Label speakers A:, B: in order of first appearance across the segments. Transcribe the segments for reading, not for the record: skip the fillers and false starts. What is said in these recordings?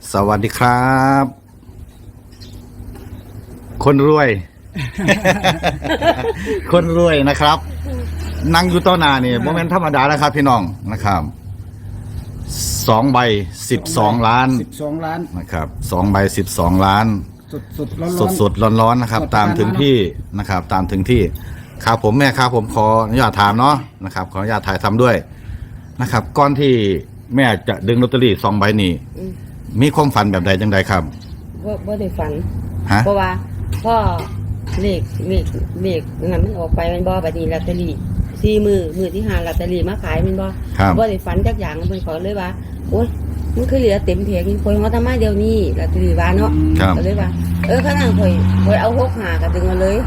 A: สวัสดีครับ คนรวย คนรวยนะครับ นั่งอยู่ต้นนานี่โมเมนต์ธรรมดาแล้วครับพี่น้องนะครับ2 ใบ 12 ล้าน
B: 12 ล้าน
A: นะครับ2 ใบ 12 ล้านสดร้อนนะครับตามถึงที่นะครับตามถึงที่ครับผมแม่ครับผมขออนุญาตถามเนาะนะครับขออนุญาตถ่ายทำด้วยนะครับก่อนที่แม่จะดึงลอตเตอรี่2 ใบนี้มีความฝันแบบใดจังใดครับ
C: บ่ได้ฝัน
A: ฮะ
C: เพราะว่าพ่อเลขนั่นมันออกไปมันบ่บัดนี้ลอตเตอรี่มือที่5ลอตเตอรี่มาขายมันบ่ได้ฝันจักอย่างเพิ่นขอเลยว่าโอ๊ยมันคือเหลือเต็มแผงนี่ข่อยเฮาทำมาเดี๋ยวนี้ลอตเตอรี่ว่าเนาะก็เลยว่าขนาดข่อยเอา65ก็ดึงมาเลย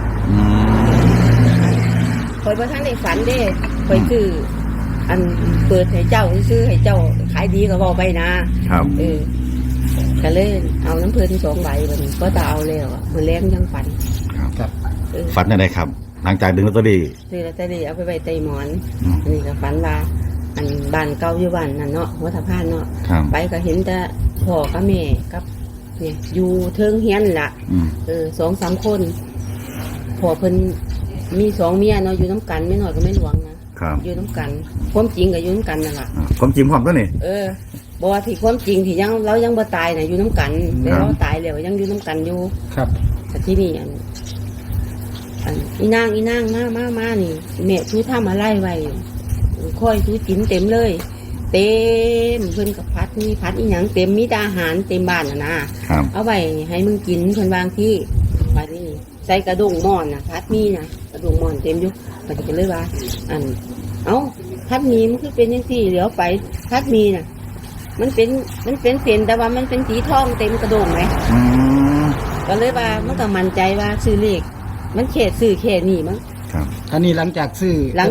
C: ข่อยบ่ทันได้ฝันเด้ข่อยซื้ออันเปิดให้เจ้าซื้อให้เจ้าขายดีก็เว้าไปนะครับก็เลยเอาน้ำเพิ่น2 ใบบัดนี้ก็จะเอาแล้วมื้อแลงยังฝัน
A: ครับฝันอะไรครับหลังจากดึงลอตเตอรี่
C: ซื้อลอตเตอรี่เอาไปไว้ใต้หมอนอันนี้ก็ฝันว่าอันบ้านเก่าอยู่บ้านนั่นเนาะหัวสะพานเนาะไปก็เห็นแต่พ่อกับแม่กับเนี่ยอยู่เทิงเฮียนล่ะ2-3 คนพ่อเพิ่นมี2 เมียเนาะอยู่น้ำกันไม่น้อยก็ไม่หลวงนะอยู่น้ำกันความจริงก็อยู่น้ำกันนั่นล่ะ
A: ความจริงความก็นี่
C: บอกว่าที่ความจริงที่เรายังบ่ตายน่ะอยู่น้ำกันแต่เราตายแล้วยังอยู่น้ำกันอยู่
B: ครับ
C: แต่ที่นี่อันอีนางมานี่แม่ชูทำอะไรไว้ค่อยชูกินเต็มเลยเต็มเพิ่นกับพัดมีพัดอีหยังเต็มมีอาหารเต็มบ้านนะเอาไว้ให้มึงกินเพิ่นวางที่บัดนี้ใส่กระดงหม้อนน่ะพัดมีนะกระดงหม้อนเต็มอยู่บัดนี้ก็เลยว่าพัดมีมันคือเป็นจังซี่เหลียวไปพัดมีน่ะมันเป็นเส้นแต่ว่ามันเป็นสีทองเต็มกระดงไหมก็เลยว่ามันก็มั่นใจว่าซื้อเลขมันเขตซื้อเขตนี่มั้ง
B: ครับอันนี้หลังจากซื้อ
C: แล้ว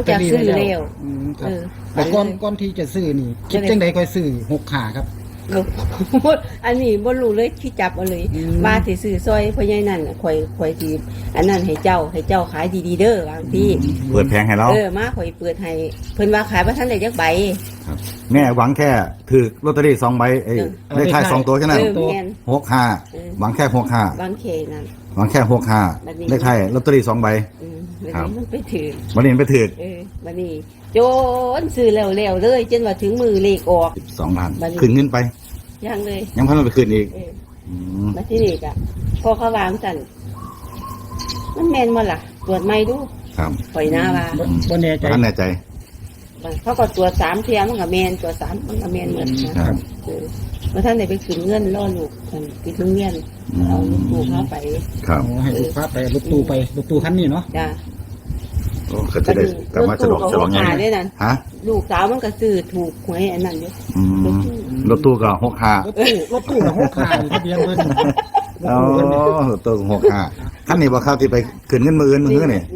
B: แต่ก่อนที่จะซื้อนี่คิดจังใดค่อยซื้อ65ครับ
C: อันนี้บ่รู้เลยที่จับเอาเลยมาสิซื้อซอยพ่อใหญ่นั่นข่อยสิอันนั้นให้เจ้าขายดีๆเด้อบางที
A: เปิดแผงให้เรา
C: มาข่อยเปิดให้เพิ่นว่าขายบ่ทันได้จักใบ
A: ครับแม่หวังแค่ถือลอตเตอรี่2 ใบเลขท้าย2 ตัวแค่นั้น65หวังแค่65
C: หวังแค่นั้น
A: หวังแค่65เลขท้ายลอตเตอรี่2 ใบ
C: ครับมันไปถือ
A: วันนี้ไปถือ
C: วันนี้โจนซื้อแล้วเลยจนว่าถึงมือเลขออก
A: 12 ล้านคืนเงินไป
C: ยังเลย
A: ยังพันไปคืนอีก
C: มาที่นี่จ้ะพอเขาวางสั่นมันแมนมาล่ะตรวจไม่ดู
A: ครับ
C: ปล่อยหน้าว่า
B: บ่แน่ใจ
C: เขาก็ตรวจ3 เที่ยมันกับแมนตรวจ3มันกับแมนเหมือนกันเมื่อท่านได้ไปขึ้นเงินล่อลูกไปขึ้นเงินเอาลูกตู้เข้าไป
A: ครับ
B: ให้ลูกพาไปลูกตู้คันนี้เนาะ
C: จ้ะ
A: ก็จะได้กลับมาฉลองไง
C: ฮะลูกสาวมันก็ซื้อถูกหวยอันนั้นอยู่
A: รถตู้ก็
B: 65รถตู้ก็65ทะเบียนเพิ่น
A: อ๋อรถตู้65คันนี้บ่ครับที่ไปขึ้นเงินมื้ออื่นมื้อนี่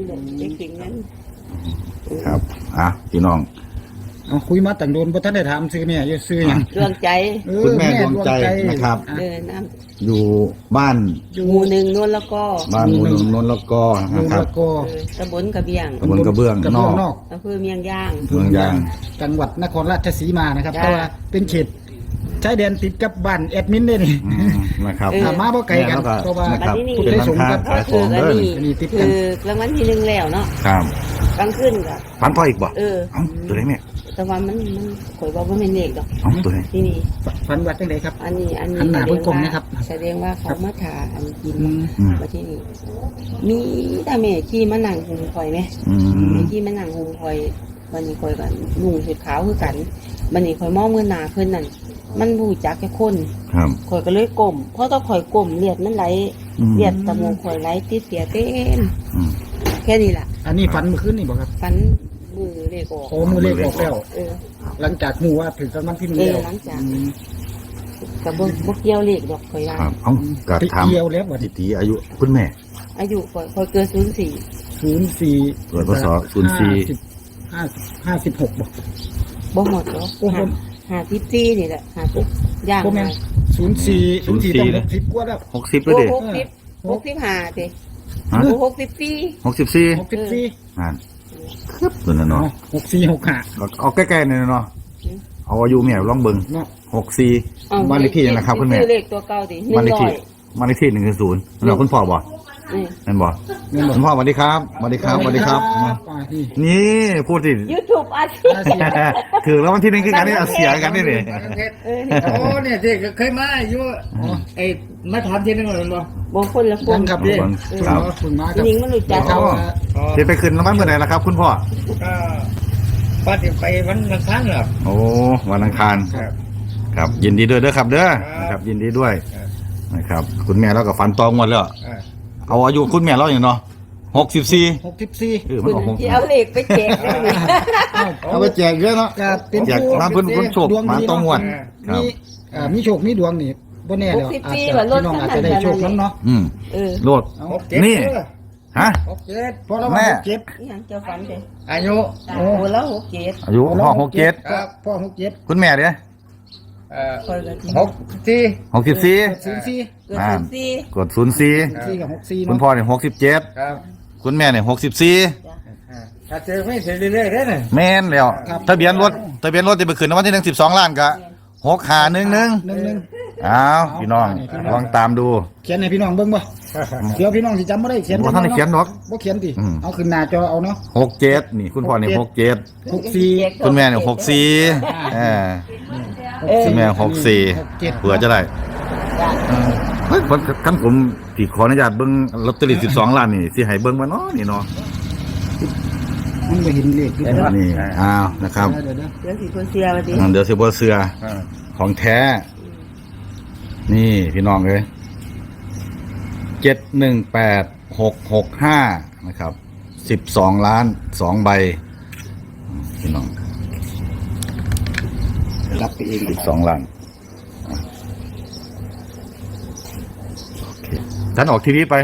A: ครับพี่น้อง
B: คุยมาตั้งโดนบ่ทันได้ถามซื้อแม่อยู่ซื้อหยัง
C: ดวงใจ
A: คุณแม่ดวงใจนะครับอยู่บ้าน
C: หมู่1โน่นแล้วก็
A: บ้านหมู่1โน่นแล้วก็นะครับ
C: ตำบลกระเบื้อง
A: นอก
C: อำเภอเมียงย่าง
B: จังหวัดนครราชสีมานะครับเพราะว่าเป็นเขตชายแดนติดกับบ้านแอดมินนี่
A: นะครับ
B: มาบ่ไกลกันเพราะว่า
A: เป็นร้านค้าขายของเด้อ
C: นี่ติดกันรางวัลที่1แล้วเนาะ
A: ครับ
C: กลางคืนก็
A: ฝันพ่ออีกบ่ตัวไหนแม่
C: แต่ว่ามันข่อยบอกว่าไม่เลขดอก
A: ตัวไหน
C: ที่นี่
B: ฝันว่าจังไดครับ
C: อันนี้
B: หน้าเบิ่งกลมนะครับ
C: แสดงว่าเขามาถ่าอันกินมาที่นี่มีแต่แม่ขี้มานั่งหุงข่อยไหมแม่ขี้มานั่งหุงข่อยวันนี้ข่อยกันนุ่งชุดขาวคือกันวันนี้ข่อยมองมือหนาเพิ่นนั่นมันรู้จักแค่คนข่อยก็เลยก้มเพราะต้องข่อยก้มเลือดมันไหลเลือดตะมูข่อยไหลติดเสียเต็มแค่นี้แหละ
B: อันนี้ฝันเมื่อคืนนี่บ่ครับ
C: ฝันมือเลขออก
B: มือเลขออกแล้วหลังจากหูว่าถึงกำลังที่มือแล้ว
C: หลังจากกับบ่เกี่ยวเลขดอกข่อยว่า
A: กระทำ
B: เกี่ยวแล้วว่า
A: ตีอายุคุณแม่
C: อายุข่อยเกิด
A: 04เกิดพศ
B: 56
C: บ่หมดหรอก54นี่แหละ50ย่าง
B: 04ต้อง60กว่าแล้ว
A: 60แล้วดิ
C: 65ติ
A: 64นั่นครับตัวนั้นเนาะ
B: 6465
A: เอาใกล้ๆนี่เนาะเอาอายุแม่ลองเบิ่ง
B: เนาะ
A: 64บ้านเลขที่ยังนะครับคุณแม่
C: ซื้อเลขตัวเก่าดิ
A: บ้านเลขที่บ้านเลขที่100แล้วคุณพ่อบ่
C: อืม
A: นั่นบ่
B: แม่นบ่
A: คุณพ่อสวัสดีครับสวัสดีครับสวัสดีครับ
B: นี่
A: นี่พูดสิ
C: YouTube อาชีพ
B: อาเซียน
A: ถือแล้ววันที่หนึงคือกันนี่เอาเสียกันนี่นี่
C: เออนี่
D: โอ้เนี่ยที่เคยมาอยู่ไอ้มาถามที่นึงเหมือนบ่
C: บางคนละค
B: ยั
C: น
B: งครับ
A: ครับ
B: ครับคุณมาครับ
C: จริงมันรู้จัก
B: เขา
A: จะไปขึ้นรางวัลเมื่อไหร่ล่ะครับ คุณพ่อ
D: ก็ป้าจะไปวันอังคารเหรอ
A: โอ้วันอังคาร
D: ครับ
A: ครับยินดีด้วยเด้อครับเด้อ
D: ครับ
A: นะครับยินดีด้วย
D: ครับ
A: นะครับคุณแม่เราก็ฝันตองหมดแล้ว เอาอายุคุณแม่เราอย่างเนาะ64
B: 64
A: มันออก
C: ที่เอาเลขไปแจกได้ไหม
A: เอาไปแจกเยอะเนาะ
B: ก็เป็น
A: แจก
B: ผู้
A: ร้านเพิ่นโชค
B: ดวง
A: มา
B: ดี
A: ต้องงวด ครั
B: มี
A: บ
B: มีโชคมีดวงนี่บ่แน่แล้วอาจจะพี่น้องอาจจะได้โชคนั้นเนาะ
A: อืม
C: เออ
A: โลด
D: 67
A: นี่ ฮะ
B: เพราะเรา
A: แม่
B: เจ็ด
C: นี่ยังเจ้าฝันเด้
D: อายุ
C: โอ้แล้ว67
A: อายุพ่อ67
D: ครับ
B: พ่อ67
A: คุณแม่เด้อ
C: คอยกันที่
D: 64
A: 64
B: 04
C: เกิด
A: อ่า
C: 14
A: กด04
B: 4กับ64
A: คุณ
B: เนาะ
A: พ่อเนี่ย67
D: ครับ
A: คุณแม่เนี่ย64
D: ถ้าเจอไม่เสร็จเรื่อยๆได้น่ะ
A: แม่นแล้วทะเบียนรถที่ไปขึ้นรางวัลที่1 12ล้านก็6511
B: 11
A: อ้าวพี่น้องลองตามดู
B: เขียนให้พี่น้องเบิ่งบ่เดี๋ยวพี่น้องสิจำบ่ได้เขียน
A: บ่ทันได้เขียนหรอก
B: บ่เขียนติ
A: อืม
B: เอาขึ้นหน้าจอเอาเนาะ
A: 67นี่คุณพ่อเนี่ย67
B: 64
A: คุณแม่เนี่ย64คุณแม่64เผื่อจะได้เฮ้ยคันผมสิขออนุญาตเบิ่งลอตเตอรี่12ล้านนี่สิให้เบิ่งบ่เนาะนี่เนาะ
B: มันบ่เห็นเลขอยู่เด้อ
A: นี่อ้าวนะครับ
B: เดี๋ยว
C: เดี๋ยวสิคนเสียวันนี้
A: เดี๋ยวสิบ่เชื่อของแท้ นี่พี่น้องเอ้ย718665นะครับ12ล้าน2ใบพี่น้อง
B: รับไปเอง
A: 12ล้านโอเคท่านออกทีวีไป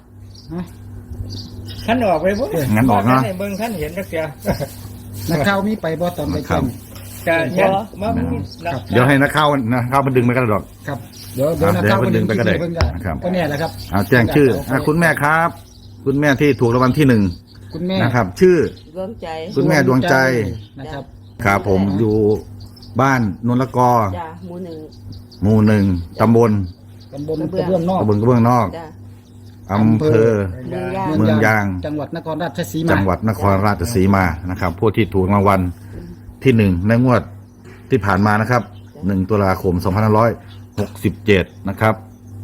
D: ขั้นออกไปบ่
A: งั้นออกเนาะ
D: เบิ่งขั้นเห็นสักเสีย
B: นักข่าวมีไปบ่ตอนไป
A: ครั
B: แจ้
A: บ
B: ง
D: จะยันมา
A: เดี๋ยวให้นักข่าวมันดึงไปกันดอก
B: ครับเดี๋ยวนักข่าว
A: เดี๋ยวเพิ่นดึงไปก็ได้
B: เพิ่น
A: นะครับ
B: ก็แน่แหละครับ
A: เอาแจ้งชื่อคุณแม่ครับ คุณแม่ที่ถูกรางวัลที่1
B: คุณแม่
A: นะครับ ชื่อ
C: ดวงใจ
A: คุณแม่ดวงใจ
B: นะครับ
A: ครับผมอยู่บ้านนนละกอ
C: จ้าหมู่หนึ่ง
A: หมู่ 1ตำบล
B: ตำบลกระเบื้องนอก
A: ตำบลกระเบื้องนอก
C: จ้า
A: อำเภอ
C: เมืองย่าง
A: เมืองยาง
B: จังหวัดนครราชสีมา
A: จังหวัดนครราชสีมานะครับผู้ที่ถูกรางวัลที่1ในงวดที่ผ่านมานะครับ1ตุลาคม2567นะครับ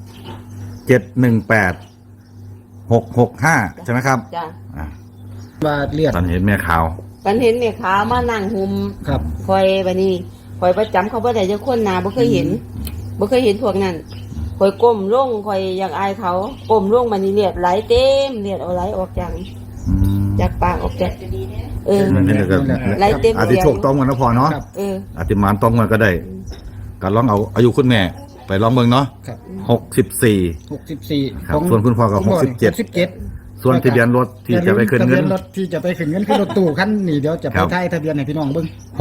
A: 718665ใช่ไหมครับ
C: จ้า
A: อ่า
B: ว่าเลียด
A: ตอนเห็นแม่ข่าว
C: กันเห็นแม่ขาวมานั่งหุม
B: ครับ
C: คอยบัดนี้คอยประจำเขาบ่ได้จะคนหนาบ่เคยเห็นบ่เคยเห็นพวกนั้นคอยก้มลงคอยอยากอายเขาก้มลงมานี่เลือดไหลเต็มเลือดเอาไหลออกจาก
A: อืม
C: จากปากออกจากเออ
A: นั่นก็
C: ไหลเต็ม
A: อาจจะโชคต้องกันนะพอเนาะ
C: เออ
A: อาจจะมานต้องกันก็ได้ก็ลองเอาอายุคุณแม่ไปลองเบิ่งเนาะ
B: ครับ
A: 64
B: 64
A: ครับส่วนคุณพ่อก็67
B: 67
A: ส่วนทะเบียนรถที่จะไปขึ้นเงิน
B: ทะบียรถที่จะไปขึ้นเงินคือรถตู้คันนี้เดี๋ยวจะไป
A: ครับ
B: ถ่ายทะเบียนให้พี่น้องเบิ่ง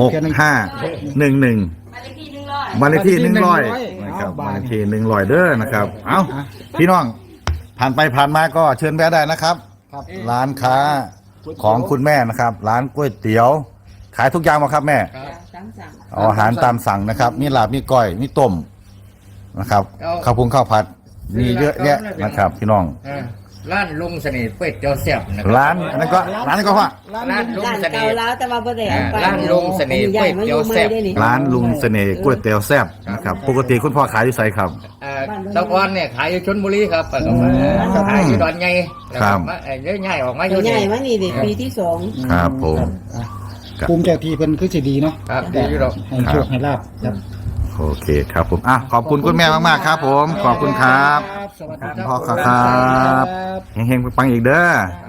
A: 6511บ้านเลขที่100นะครับบ้านเลขที่100เด้อนะครับ เอ้าพี่น้องผ่านไปผ่านมาก็เชิญแวะได้นะครับ
B: ครับ
A: ร้านค้าของคุณแม่นะครับ ร้านก๋วยเตี๋ยว ขายทุกอย่างมาครับแม่
C: สั่ง
A: เอาอาหารตามสั่งนะครับ มีลาบมีก้อยมีต้มนะครับ
D: เอา
A: ข้าวพุงข้าวผัด มีเยอะแยะนะครับ พี่น้อง
D: ร้านลุงเสน่ห์เป็ดเจ้าแซ่บนะคบ
A: ร้านอันนั้นก็ร้านนั้นก็ว่า
D: ร้านลุง
C: ร้าน
D: เสน่
C: เก่า
D: ห์
C: แล้วแต่ว่าบ่ได้เอาไป
D: ร้านลุงเสน่ห์ก๋วยเตี๋ยวแซ่บ
A: ร้านลุงเสน่ห์ก๋วยเตี๋ยวแซ่บนะครับปกติคุณพ่อขายอยู่ไสครับ
D: ตะกอนเนี่ยขายอยู่ชลบุรีครับก็มาขายอยู่ดอนใหญ่แล้ว
A: ครั
D: ก็
A: บ
D: มาเยอะใหญ่ออกมาอ
C: ตั
D: ยู่
C: วให
D: นี่
C: ญ่มานี่เด็กปีที่สอง
A: ครับผม
B: อ่ะภูมิเจ้าที่เพิ่นคือสิดีเนาะ
D: ครับดีอยู่ดอก
B: ให้โชคให้ลาบครับ
A: โอเคครับผมอ่ะขอบคุณคุณแม่มากๆครับ ผมขอบคุณครับ
B: สวัสดี
A: พ่อครับ เฮงๆปังๆอีกเด้อ
B: ค